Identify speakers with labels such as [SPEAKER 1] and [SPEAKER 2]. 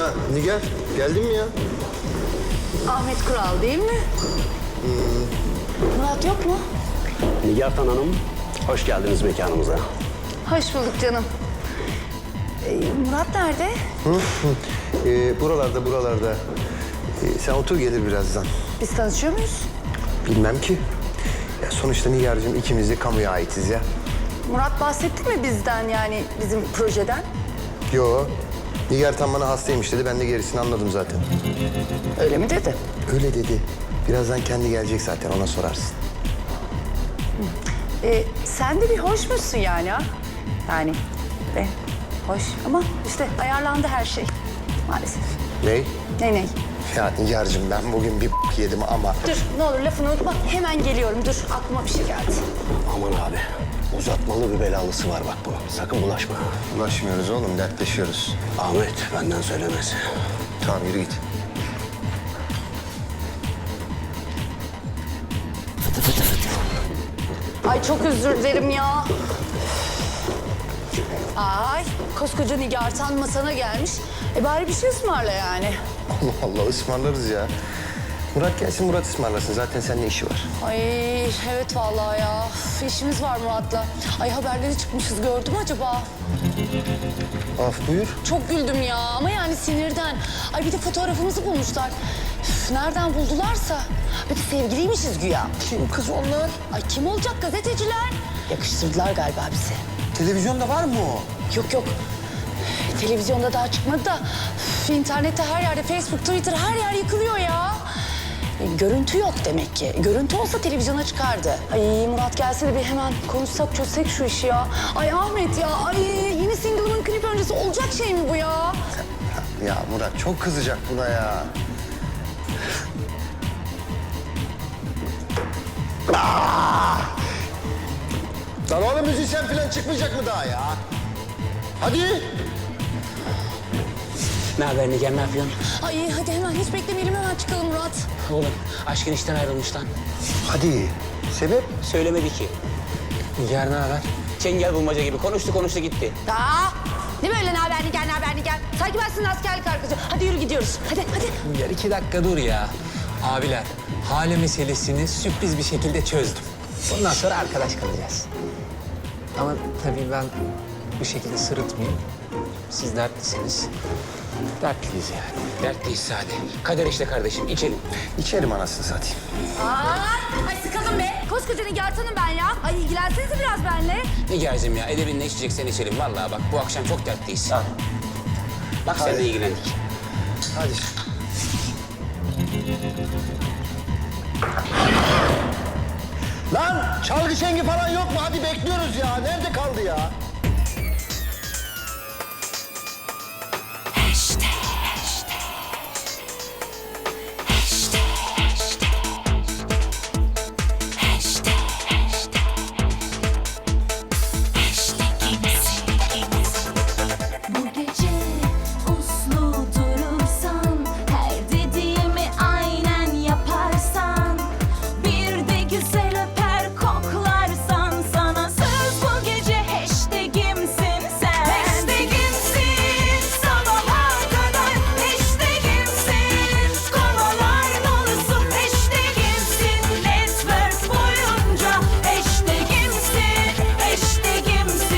[SPEAKER 1] Ha, Nigar, geldin mi ya?
[SPEAKER 2] Ahmet Kural değil mi? Murat yok mu?
[SPEAKER 3] Nigar Hanım, hoş geldiniz mekanımıza.
[SPEAKER 2] Hoş bulduk canım. Murat nerede?
[SPEAKER 1] Buralarda. Sen otur, gelir birazdan.
[SPEAKER 2] Biz tanışıyor muyuz?
[SPEAKER 1] Bilmem ki. Ya sonuçta Nigar'cığım ikimiz de kamuya aitiz ya.
[SPEAKER 2] Murat bahsetti mi bizden, yani bizim projeden?
[SPEAKER 1] Yo. Nigar tam bana hastaymış dedi. Ben de gerisini anladım zaten.
[SPEAKER 2] Öyle mi dedi?
[SPEAKER 1] Öyle dedi. Birazdan kendi gelecek zaten, ona sorarsın.
[SPEAKER 2] Sen de bir hoşmuşsun yani ha? Yani hoş ama işte ayarlandı her şey maalesef.
[SPEAKER 1] Ney?
[SPEAKER 2] Ney?
[SPEAKER 1] Ya Nigar'cığım ben bugün bir yedim ama...
[SPEAKER 2] Dur ne olur lafını unutma, hemen geliyorum. Dur, aklıma bir şey geldi.
[SPEAKER 3] Aman abi, uzatmalı bir belalısı var bak bunun. Sakın bulaşma.
[SPEAKER 1] Ulaşmıyoruz oğlum, dertleşiyoruz.
[SPEAKER 3] Ahmet, benden söylemez.
[SPEAKER 1] Tamam, yürü git.
[SPEAKER 2] Ay çok özür dilerim ya. Ay koskoca Nigar masana gelmiş. Bari bir şey ısmarla yani.
[SPEAKER 1] Allah Allah, ısmarlarız ya. Murat gelsin, Murat ısmarlasın. Zaten seninle işi var.
[SPEAKER 2] Ay evet vallahi ya. Üf, işimiz var Murat'la. Ay haberleri çıkmışız, gördün mü acaba?
[SPEAKER 1] Af buyur.
[SPEAKER 2] Çok güldüm ya ama yani sinirden. Ay bir de fotoğrafımızı bulmuşlar. Üf, nereden buldularsa. Bir de sevgiliymişiz güya.
[SPEAKER 1] Kim kız onlar?
[SPEAKER 2] Ay kim olacak, gazeteciler? Yakıştırdılar galiba bizi.
[SPEAKER 1] Televizyonda var mı o?
[SPEAKER 2] Yok. Televizyonda daha çıkmadı da internette her yerde, Facebook, Twitter her yer yıkılıyor ya. Görüntü yok demek ki. Görüntü olsa televizyona çıkardı. Ay Murat gelse de bir hemen konuşsak, çözsek şu işi ya. Ay Ahmet ya, ay yeni single'ımın klip öncesi olacak şey mi bu ya?
[SPEAKER 1] Ya Murat çok kızacak buna ya. Lan oğlum müzisyen falan çıkmayacak mı daha ya? Hadi.
[SPEAKER 4] Ne haber Nigar, ne yapıyorsun?
[SPEAKER 2] Ay hadi hemen, hiç beklemeyelim, hemen çıkalım Murat.
[SPEAKER 4] Oğlum, aşkın işten ayrılmış lan.
[SPEAKER 1] Hadi. Sebep?
[SPEAKER 4] Söylemedi ki. Nigar ne haber? Çengel bulmaca gibi konuştu gitti.
[SPEAKER 2] Ne böyle ne haber Nigar? Sanki ben sizin askerlik arkadaşı. Hadi yürü gidiyoruz. Hadi.
[SPEAKER 5] Nigar 2 dakika dur ya. Abiler, hale meselesini sürpriz bir şekilde çözdüm. Bundan sonra arkadaş kalacağız. Ama tabii ben bu şekilde sırıtmayayım. Siz dertlisiniz. Dertliyiz yani.
[SPEAKER 4] Dertliyiz Sade. Kader işte kardeşim, içelim.
[SPEAKER 1] İçerim anasını satayım.
[SPEAKER 2] Ay sıkıldım be. Koskoca Nigar'tanım ben ya. Ay ilgilensenize biraz benimle.
[SPEAKER 4] Nigar'cığım ya, edebinle içeceksen içelim. Vallahi bak bu akşam çok dertliyiz. Bak sen de ilgilendik.
[SPEAKER 1] Hadi. Lan çalgı şengi falan yok mu? Hadi bekliyoruz ya. Nerede kaldı ya?